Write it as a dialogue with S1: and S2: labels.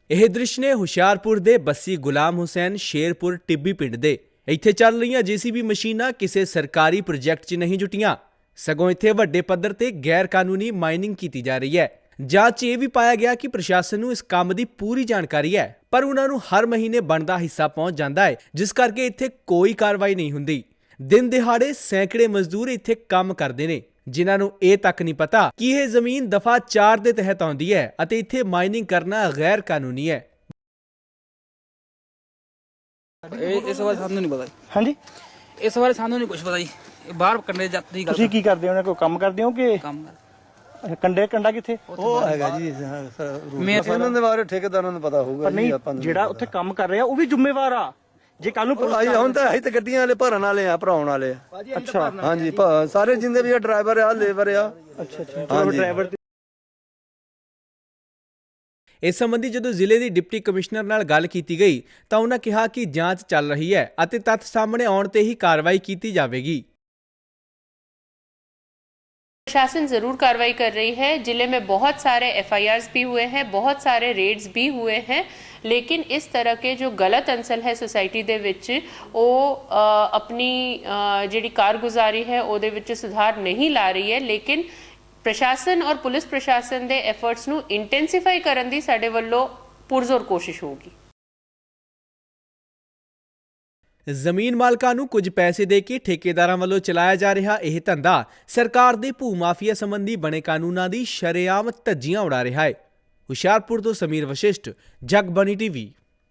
S1: ਇਹ ਦ੍ਰਿਸ਼ ਨੇ ਹੁਸ਼ਿਆਰਪੁਰ ਦੇ ਬੱਸੀ ਗੁਲਾਮ ਹੁਸੈਨ ਸ਼ੇਰਪੁਰ ਟਿੱਬੀ ਪਿੰਡ ਦੇ। ਇੱਥੇ ਚੱਲ ਰਹੀਆਂ ਜੀਸੀਬੀ ਮਸ਼ੀਨਾਂ ਕਿਸੇ ਸਰਕਾਰੀ ਪ੍ਰੋਜੈਕਟ 'ਚ ਨਹੀਂ ਜੁਟੀਆਂ, ਸਗੋਂ ਇੱਥੇ ਵੱਡੇ ਪੱਧਰ ਤੇ ਗੈਰ ਕਾਨੂੰਨੀ ਮਾਈਨਿੰਗ ਕੀਤੀ ਜਾ ਰਹੀ ਹੈ। ਜਾਂਚ ਇਹ ਵੀ ਪਾਇਆ ਗਿਆ ਕਿ ਪ੍ਰਸ਼ਾਸਨ ਨੂੰ ਇਸ ਕੰਮ ਦੀ ਪੂਰੀ ਜਾਣਕਾਰੀ ਹੈ, ਪਰ ਉਹਨਾਂ ਨੂੰ ਹਰ ਮਹੀਨੇ ਬਣਦਾ ਹਿੱਸਾ ਪਹੁੰਚ ਜਾਂਦਾ ਹੈ, ਜਿਸ ਕਰਕੇ ਇੱਥੇ ਕੋਈ ਕਾਰਵਾਈ ਨਹੀਂ ਹੁੰਦੀ। ਦਿਨ ਦਿਹਾੜੇ ਸੈਂਕੜੇ ਮਜ਼ਦੂਰ ਇੱਥੇ ਕੰਮ ਕਰਦੇ ਨੇ, ਜਿਨ੍ਹਾਂ ਨੂੰ ਇਹ ਤੱਕ ਨਹੀਂ ਪਤਾ ਕਿ ਇਹ ਜ਼ਮੀਨ ਦਫਾ 4 ਦੇ ਤਹਿਤ ਆਉਂਦੀ ਹੈ ਅਤੇ ਇੱਥੇ ਮਾਈਨਿੰਗ ਕਰਨਾ ਗੈਰ ਕਾਨੂੰਨੀ ਹੈ।
S2: ਇਸ ਬਾਰੇ ਸਾਨੂੰ ਨਹੀਂ ਪਤਾ।
S3: ਹਾਂਜੀ,
S2: ਇਸ ਬਾਰੇ ਸਾਨੂੰ ਨਹੀਂ ਕੁਝ ਪਤਾ ਜੀ। ਬਾਹਰ ਕੰਡੇ ਜਾਂਦੀ ਗੱਲ।
S3: ਤੁਸੀਂ ਕੀ ਕਰਦੇ ਹੋ? ਕੋਈ ਕੰਮ ਕਰਦੇ ਹੋ ਕਿ
S2: ਕੰਮ
S3: ਕੰਡਾ ਕਿੱਥੇ?
S4: ਉਹ ਹੈਗਾ ਜੀ
S2: ਮੈਂ
S4: ਇਹਨਾਂ ਦੇ ਬਾਰੇ ਠੇਕੇਦਾਰਾਂ ਨੂੰ ਪਤਾ ਹੋਊਗਾ
S3: ਪਰ ਨਹੀਂ,
S4: ਆਪਾਂ ਨੂੰ
S3: ਜਿਹੜਾ ਉੱਥੇ ਕੰਮ ਕਰ ਰਿਹਾ ਉਹ ਵੀ ਜ਼ਿੰਮੇਵਾਰ ਆ। ਜੇ ਕੱਲ ਨੂੰ
S4: ਆਈ ਹੁਣ ਤਾਂ ਅਸੀਂ ਤਾਂ ਗੱਡੀਆਂ ਵਾਲੇ ਭਰਨ ਵਾਲੇ ਆ, ਭਰਾਉਣ ਵਾਲੇ ਆ।
S3: ਅੱਛਾ
S4: ਹਾਂਜੀ ਸਾਰੇ ਜਿੰਦੇ ਵੀ ਡਰਾਈਵਰ ਆ, ਲੇਬਰ ਆ।
S3: ਅੱਛਾ ਚਲੋ ਡਰਾਈਵਰ
S1: ਇਸ ਸੰਬੰਧੀ ਜਦੋਂ ਜ਼ਿਲ੍ਹੇ ਦੀ ਡਿਪਟੀ ਕਮਿਸ਼ਨਰ ਨਾਲ ਗੱਲ ਕੀਤੀ ਗਈ ਤਾਂ ਉਹਨਾਂ ਕਿਹਾ ਕਿ ਜਾਂਚ ਚੱਲ ਰਹੀ ਹੈ ਅਤੇ ਤੱਥ ਸਾਹਮਣੇ ਆਉਣ ਤੇ ਹੀ ਕਾਰਵਾਈ ਕੀਤੀ ਜਾਵੇਗੀ।
S5: प्रशासन जरूर कार्रवाई कर रही है। जिले में बहुत सारे एफआईआर्स भी हुए हैं, बहुत सारे रेड्स भी हुए हैं, लेकिन इस तरह के जो गलत अंसल है सोसाइटी दे विच ਉਹ अपनी ਜਿਹੜੀ कारगुजारी है ਉਹਦੇ ਵਿੱਚ ਸੁਧਾਰ नहीं ला रही है। लेकिन प्रशासन और पुलिस प्रशासन ਦੇ एफर्ट्स ਨੂੰ ਇੰਟੈਂਸੀਫਾਈ ਕਰਨ ਦੀ ਸਾਡੇ ਵੱਲੋਂ ਪੁਰਜ਼ੋਰ ਕੋਸ਼ਿਸ਼ ਹੋਊਗੀ।
S1: ਜ਼ਮੀਨ ਮਾਲਕਾਂ ਨੂੰ ਕੁਝ ਪੈਸੇ ਦੇ ਕੇ ਠੇਕੇਦਾਰਾਂ ਵੱਲੋਂ ਚਲਾਇਆ ਜਾ ਰਿਹਾ ਇਹ ਧੰਦਾ ਸਰਕਾਰ ਦੇ ਭੂ ਮਾਫੀਆ ਸੰਬੰਧੀ ਬਣੇ ਕਾਨੂੰਨਾਂ ਦੀ ਸ਼ਰੇਆਮ ਧੱਜੀਆਂ ਉਡਾ ਰਿਹਾ ਹੈ। ਹੁਸ਼ਿਆਰਪੁਰ ਤੋਂ ਸਮੀਰ ਵਸ਼ਿਸ਼ਟ, ਜਗਬਾਣੀ ਟੀਵੀ।